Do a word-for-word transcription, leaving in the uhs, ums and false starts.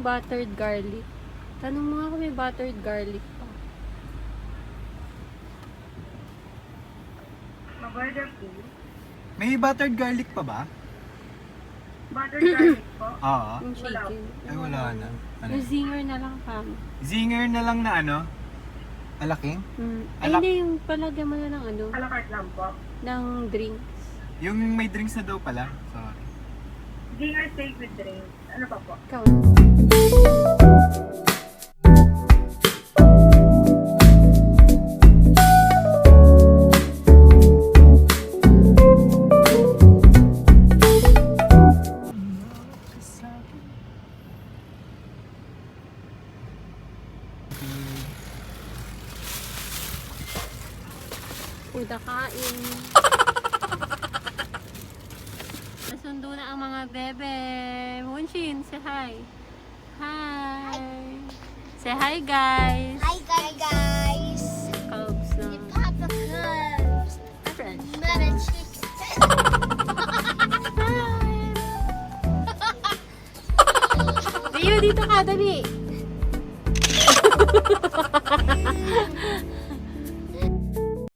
buttered garlic. Tanong mo nga kung may buttered garlic pa. Ma-burger po. May buttered garlic pa ba? Buttered garlic po. Oo. Yung chicken. Ay, wala na. Ano? Yung zinger na lang, fam. Zinger na lang na ano? Alaking? Mm. Ay, Alak- hindi. Yung palagyan mo na ng ano, A la carte lang po. ng drinks. Yung may drinks na daw pala. Sorry. Dinner steak with drinks. Ano pa po? Ikaw. Puda kain. Nasundo na ang mga bebe. Munshin, say hi. Hi. Say hi, guys. Hi guys! Cubs na. Papa Cubs! French. Mama Chicken! Rio, dito ka, dali.